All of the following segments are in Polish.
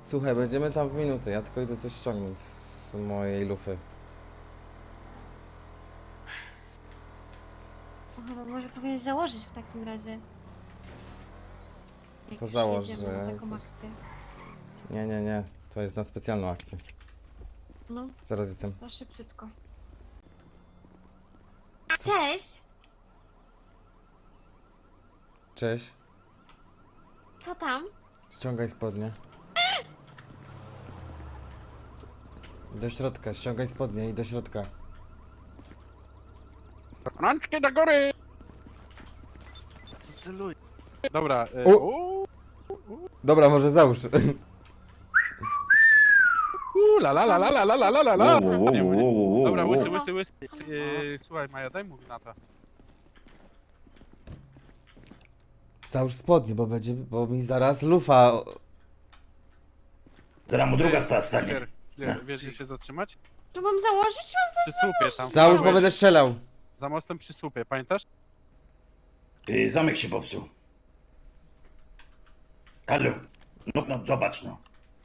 Słuchaj, będziemy tam w minutę, ja tylko idę coś ściągnąć z mojej lufy. Aha, no może powinieneś założyć w takim razie. Jak To już założ, jedziemy na że taką coś- akcję. Nie, to jest na specjalną akcję. No, Zaraz jestem. to szybciutko. Cześć! Cześć, Co tam? ściągaj spodnie. Do środka, ściągaj spodnie i do środka. Rączki do góry! Co celuj? Dobra, Dobra, może załóż. la la la la la la la la la la. Nie, nie. Dobra, łysy. No. Słuchaj, Maja, daj mu gnata. Załóż spodnie, bo mi zaraz lufa... Zaraz mu druga stanie. Wiesz, gdzie się zatrzymać? Tu mam założyć, czy mam Przy słupie tam. Załóż, bo będę strzelał. Za mostem przy słupie, pamiętasz? Zamek się popsuł. Halo. No, zobacz no.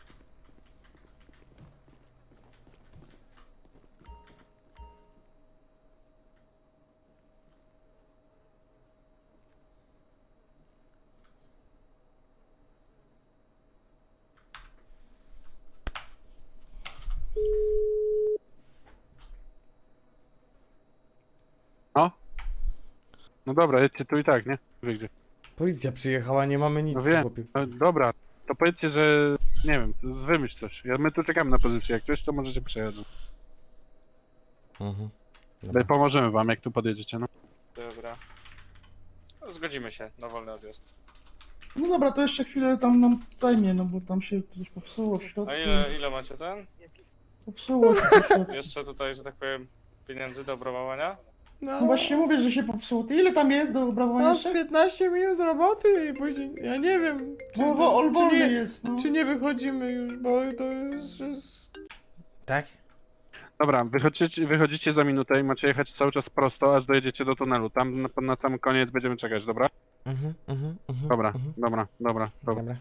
No. No dobra, jedźcie tu i tak, nie? Wie gdzie. Policja przyjechała, nie mamy nic, No wiem. chłopie. Dobra, to powiedzcie, że... Nie wiem, wymyśl coś. My tu czekamy na pozycję. Jak coś, to możecie przejechać. Mhm. Pomożemy wam, jak tu podjedziecie, no. Dobra. No, zgodzimy się na wolny odjazd. No dobra, to jeszcze chwilę tam nam zajmie, no bo tam się coś popsuło w środku. A ile macie ten? Popsuło się w środku. Jeszcze tutaj, że tak powiem, pieniędzy do obrabowania? No właśnie mówię, że się popsuło. Ty ile tam jest do obrabowania No z jeszcze? 15 minut roboty i później, ja nie wiem, No, czy wolny nie, jest, no. czy nie wychodzimy już, bo to jest... Tak? Dobra, wychodzicie za minutę i macie jechać cały czas prosto, aż dojedziecie do tunelu. Tam na sam koniec będziemy czekać, dobra? Dobra, dobra. Dobra.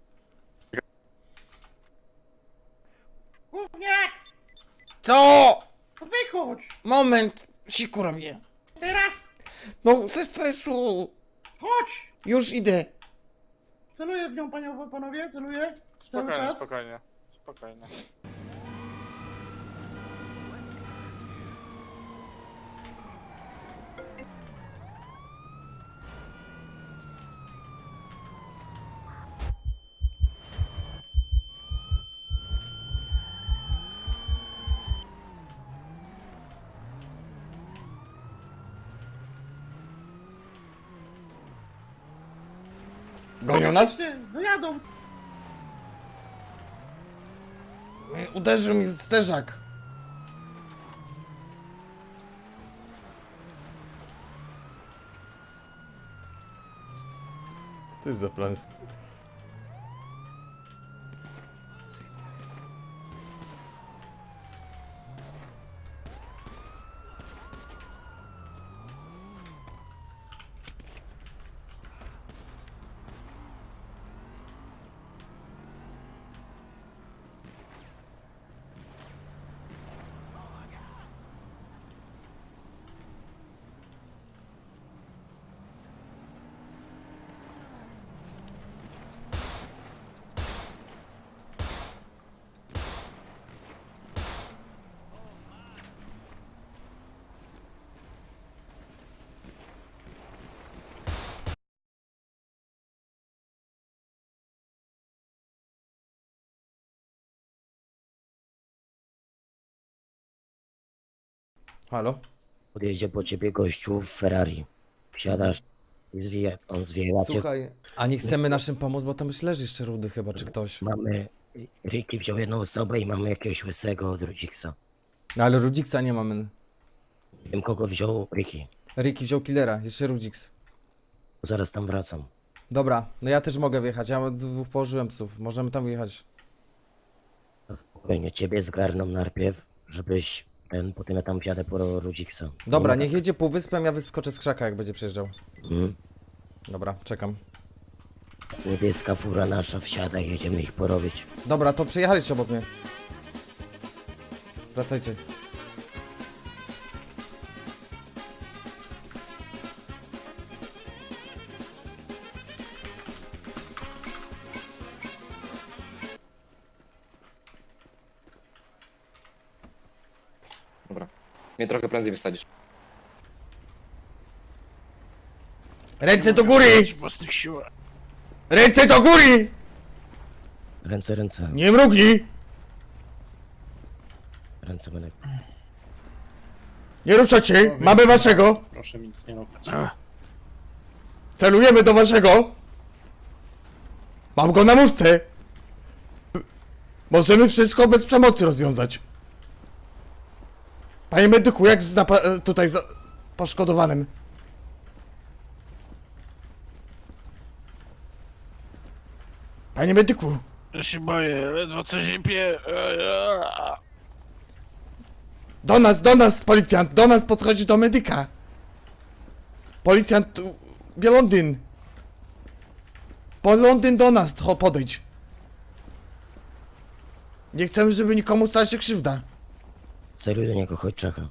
Gówniak! Co? No wychodź! Moment, siku robię. Teraz! No, ze stresu. Chodź! Już idę. Celuję w nią, panowie, celuję. Cały Spokojnie, czas. spokojnie. Gonią nas? No jadą. Uderzył mi w sterzak. Co to jest za plan? Halo? Podjedzie po ciebie gościu w Ferrari. Wsiadasz i on zwija cię. Słuchaj, a nie chcemy naszym pomóc, bo tam już leży jeszcze Rudy chyba, czy ktoś. Mamy... Ricky wziął jedną osobę i mamy jakiegoś łysego od Rudziksa. No ale Rudziksa nie mamy. Nie wiem kogo wziął Ricky. Ricky wziął killera, jeszcze Rudziks. Zaraz tam wracam. Dobra, no ja też mogę wjechać, ja dwóch położyłem psów, możemy tam wjechać. Spokojnie, ciebie zgarną najpierw, żebyś potem ja tam wjadę po Rudziksa. Dobra, Nie ma niech jedzie półwyspem, ja wyskoczę z krzaka, jak będzie przejeżdżał. tak. Mhm. Dobra, czekam. Niebieska fura nasza wsiada i jedziemy ich porobić. Dobra, to przyjechaliście obok mnie. Wracajcie. Dobra. Mnie trochę prędzej wysadzisz. Ręce do góry! W własnych siłach. Ręce do góry! Ręce, ręce. Nie mrugnij! Ręce, Menek. Nie ruszacie! Mamy waszego! Proszę mi nic nie robić. Celujemy do waszego! Mam go na muszce! Możemy wszystko bez przemocy rozwiązać. Panie medyku, jak z tutaj poszkodowanym? Panie medyku! Ja się boję, ledwo co zipię. Do nas, policjant! Do nas podchodzi do medyka! Policjant... Bielondyn! Londyn do nas, podejdź! Nie chcemy, żeby nikomu stała się krzywda. Celuj do niego, chodź Czacha.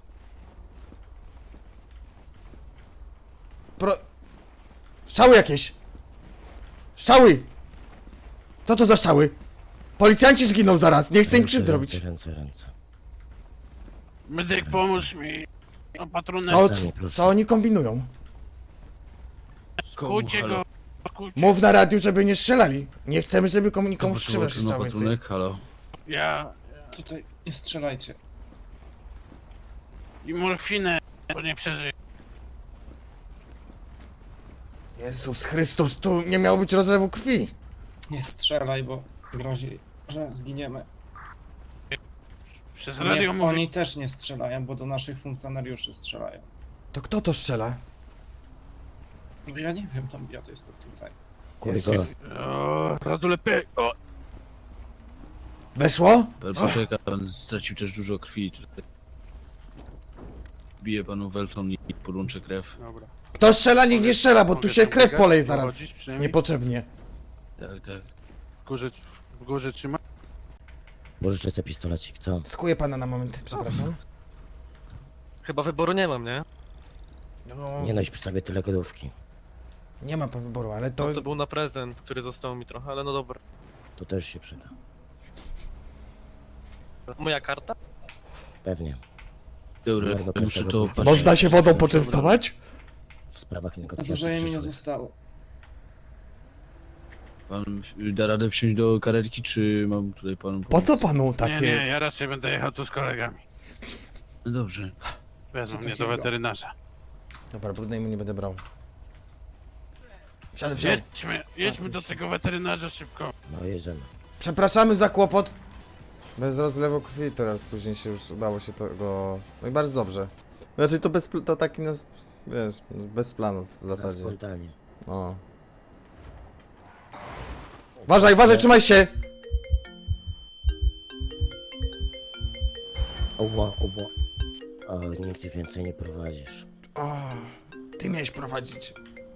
Strzały jakieś! Strzały! Co to za strzały? Policjanci zginą zaraz, nie chcę im krzywdy robić. Ręce, ręce. Medyk, pomóż mi. Opatrunek. Co oni kombinują? Skujcie go. Mów na radiu, żeby nie strzelali. Nie chcemy, żeby nikomu krzywda się stała więcej. Halo. Ja... Tutaj nie strzelajcie. I morfinę, bo nie przeżyję. Jezus Chrystus, tu nie miało być rozlewu krwi. Nie strzelaj, bo grozi, że zginiemy. Przez radio Nie, mówi... oni też nie strzelają, bo do naszych funkcjonariuszy strzelają. To kto to strzela? No ja nie wiem, tam ja to jestem tutaj. Kurwa. O, raz lepiej. O! Weszło? Pan poczeka, pan stracił też dużo krwi. Tutaj bije panu welfon i podłączę krew. Dobra. Kto strzela, niech nie strzela, bo tu Mogę się tam krew biegać, poleje zaraz. dochodzić przynajmniej? Niepotrzebnie. Tak, tak. W górze trzyma? Pożyczę sobie pistolecik, co? Skuję pana na moment, przepraszam. Chyba wyboru nie mam, nie? No, Nie noś przy sobie tyle godówki. nie ma pan wyboru, ale to... To był na prezent, który został mi trochę, ale no dobra. To też się przyda. Moja karta? Pewnie. Dobra, Bardzo muszę każdego to... chce. Można się wodą poczęstować? W sprawach Dużo negocjacji mi nie przyszłych. zostało. Pan da radę wsiąść do karetki, czy mam tutaj panu Po co panu Nie, takie... nie, ja raczej będę jechał tu z kolegami. No dobrze. Wezmą Co mnie do takiego? weterynarza. Dobra, brudnej mu nie będę brał. Wsiadaj. Jedźmy do tego weterynarza szybko. No jedziemy. Przepraszamy za kłopot. Bez rozlewu krwi teraz, później się już udało się tego... No i bardzo dobrze. Znaczy to to taki nas... Wiesz, bez planów w Na zasadzie. spontanie. O. Uważaj, trzymaj się! Oła. O, nigdzie więcej nie prowadzisz. O, ty miałeś prowadzić.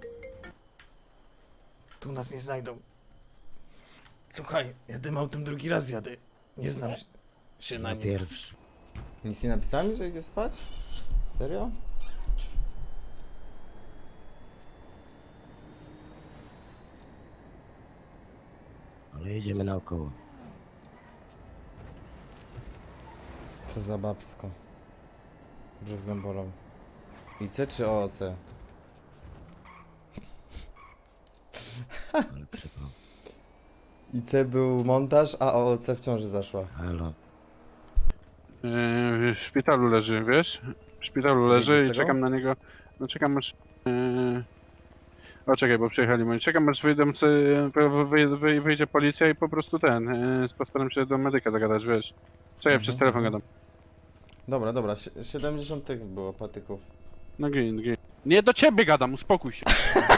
Tu nas nie znajdą. Słuchaj, ja tym autem drugi raz jadę. Nie znam się na Na nim. pierwszy. Nic nie napisałem, że idzie spać? Serio? Ale jedziemy naokoło. Co za babsko. Brzuch mnie bolał. IC czy OOC? Ale przypał. IC był montaż, a OOC w ciąży zaszła. Halo. W szpitalu leży, wiesz? W szpitalu Wyjdzie z leży i tego? czekam na niego. No czekam aż... O czekaj, bo przyjechali moi. Czekam aż wyjdzie policja i po prostu postaram się do medyka zagadać, wiesz? Czekaj, przez telefon gadam. Dobra, 70 tych było patyków. No gin. Nie do ciebie gadam, uspokój się.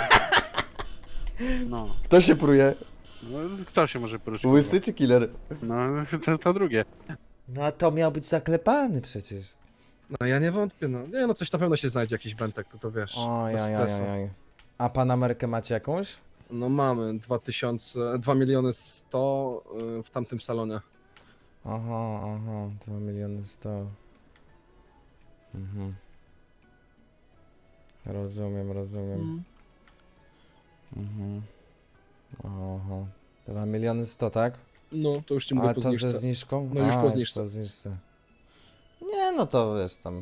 No. Kto się pruje? No, kto się może poruszyć? Łysy czy killer? No, to drugie. No a to miał być zaklepany przecież. No ja nie wątpię, no. Nie no, coś na pewno się znajdzie, jakiś bentek, to wiesz. Oj. bez stresu. A pan Amerykę macie jakąś? No mamy 2 miliony 100 w tamtym salonie. Aha, 2 miliony 100. Mhm. Rozumiem. Mhm. Aha. 2 miliony 100, tak? No, to już ci mówię A po to ze zniżce. zniżką? No już A, po zniżce. po zniżce. Nie, no to wiesz tam.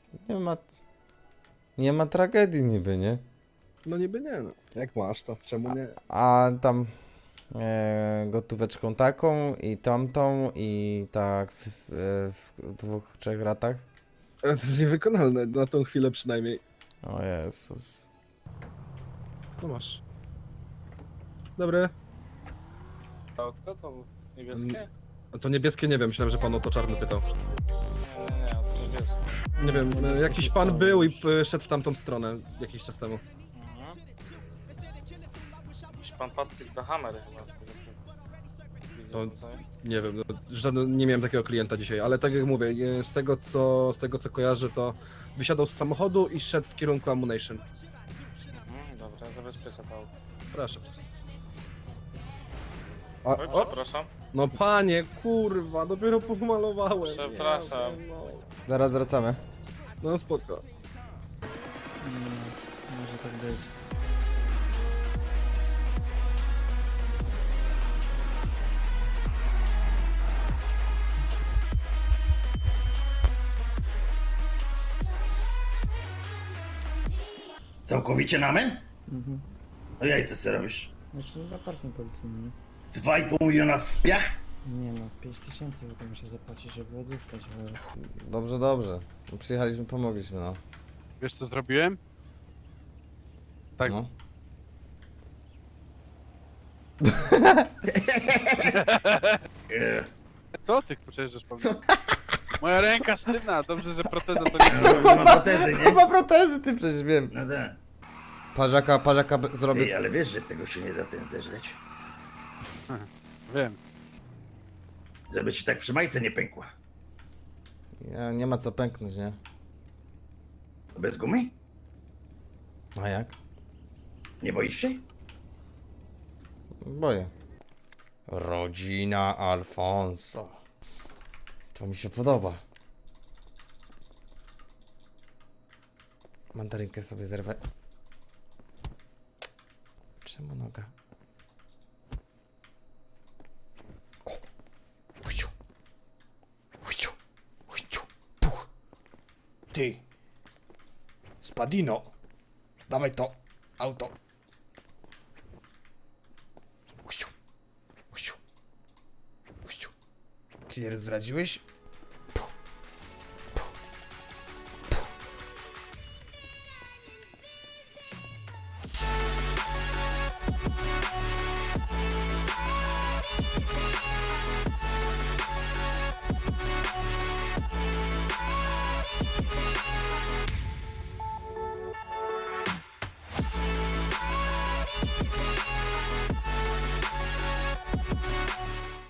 Nie ma tragedii niby, nie? No niby nie, no. Jak masz to, czemu nie? A tam gotóweczką taką i tamtą i tak w 2-3 ratach. To niewykonalne, na tą chwilę przynajmniej. O Jezus. No masz. Dobry. Autko to niebieskie? A to niebieskie nie wiem, myślałem, że pan o to czarny pytał. Nie, to niebieskie. Nie wiem, jakiś pan był i szedł w tamtą stronę jakiś czas temu. Mhm. Jakiś pan Patryk the Hammer chyba z tego co widzę To- tutaj. Nie wiem, nie miałem takiego klienta dzisiaj, ale tak jak mówię, z tego co kojarzę, to wysiadał z samochodu i szedł w kierunku Ammunition. Dobra, zabezpieczę to auto. Proszę bardzo. Oj, przepraszam. No panie, kurwa, dopiero pomalowałem. Przepraszam. Nie, no. Zaraz wracamy. No spoko. Może tak być. Całkowicie na men? Mhm. No jajce co robisz? Znaczy na parking policyjny. 2,5 miliona w piach? Nie no, 5000 bo to muszę zapłacić, żeby odzyskać, bo... Dobrze. Przyjechaliśmy, pomogliśmy, no. Wiesz co zrobiłem? Tak, No. co ty przejeżdżasz po mnie? Moja ręka sztywna, dobrze, że proteza to nie No, zrobiła. ma protezy, nie? Chyba protezy, ty przecież wiem. No tak. Parzaka zrobię. Ty, ale wiesz, że tego się nie da ten zeżreć? Wiem. Żeby ci tak przy majce nie pękła. Nie ma co pęknąć, nie? Bez gumy? A jak? Nie boisz się? Boję. Rodzina Alfonso. To mi się podoba. Mandarynkę sobie zerwę. Czemu noga? O! Huciu! Huciu! Huciu! Puch! Ty! Spadino! Dawaj to! Auto! Huciu! Huciu! Huciu! Killer zdradziłeś?